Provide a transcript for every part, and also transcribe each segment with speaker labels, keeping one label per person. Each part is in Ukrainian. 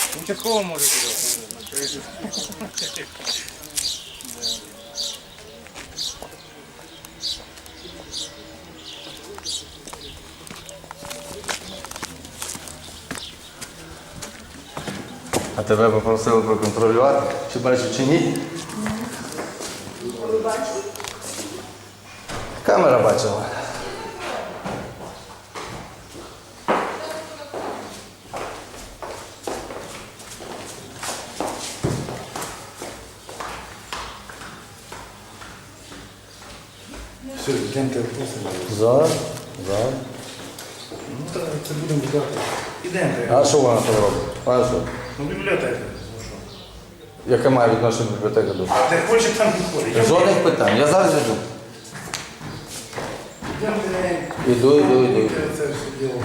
Speaker 1: Участково може бути.
Speaker 2: А тебе попросили проконтролювати, чи бачив, чи ні?
Speaker 3: Ви бачите?
Speaker 2: Камера бачила.
Speaker 1: Все, йдемте просто.
Speaker 2: Зараз.
Speaker 1: Ну, так, це будемо ждати. Ідемте.
Speaker 2: А що вона там робить? А що?
Speaker 1: Ну, бібліотека.
Speaker 2: Яке має відношення бібліотека до?
Speaker 1: Де хоче, там не ходить.
Speaker 2: Жодних питань. Я зараз йду.
Speaker 1: Йдемте.
Speaker 2: Іду.
Speaker 1: Це все діло.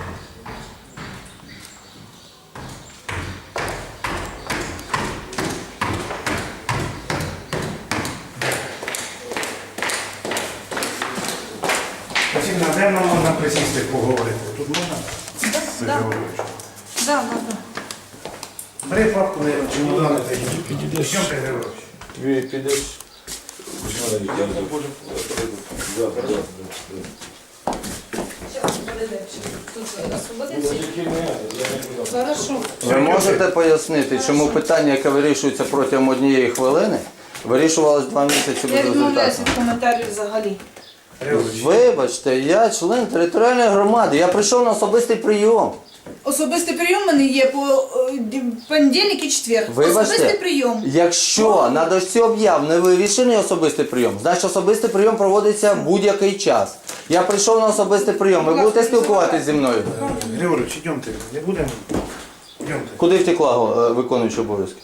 Speaker 1: Васильівна, де нам можна присісти поговорити? Тут можна?
Speaker 3: Да. Да.
Speaker 1: Бери папку, наверное, чемодани та йдіть. Йдемте, Григорович.
Speaker 2: Твій підеш.
Speaker 3: Тут освободиться? Хорошо.
Speaker 2: Ви можете пояснити, чому питання, яке вирішується протягом однієї хвилини, вирішувалось 2 місяці
Speaker 3: Я
Speaker 2: без
Speaker 3: відмовляюся
Speaker 2: результату?
Speaker 3: від коментарів взагалі.
Speaker 1: Григорович.
Speaker 2: Вибачте, я член територіальної громади, я прийшов на особистий прийом.
Speaker 3: Особистий прийом у мене є по понедільник і четвер.
Speaker 2: Вибачте,
Speaker 3: Особистий прийом.
Speaker 2: якщо на дошці об'яв не вивішений особистий прийом, значить особистий прийом проводиться будь-який час. Я прийшов на особистий прийом, ви будете спілкуватися зі мною?
Speaker 1: Григорович, йдемте. Не будемо? Йдемте.
Speaker 2: Куди втекла виконуюча обов'язки?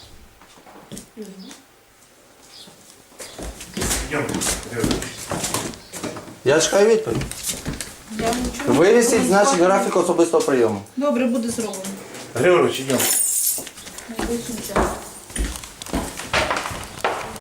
Speaker 1: Йдемте, Григорович.
Speaker 2: Я чекаю відповідь.
Speaker 3: Я нічого не
Speaker 2: Вивісіть,
Speaker 3: буду.
Speaker 2: значить, графік особистого прийому.
Speaker 3: Добре, буде зроблено.
Speaker 1: Григорович, йдемо.
Speaker 3: Найближчим часом.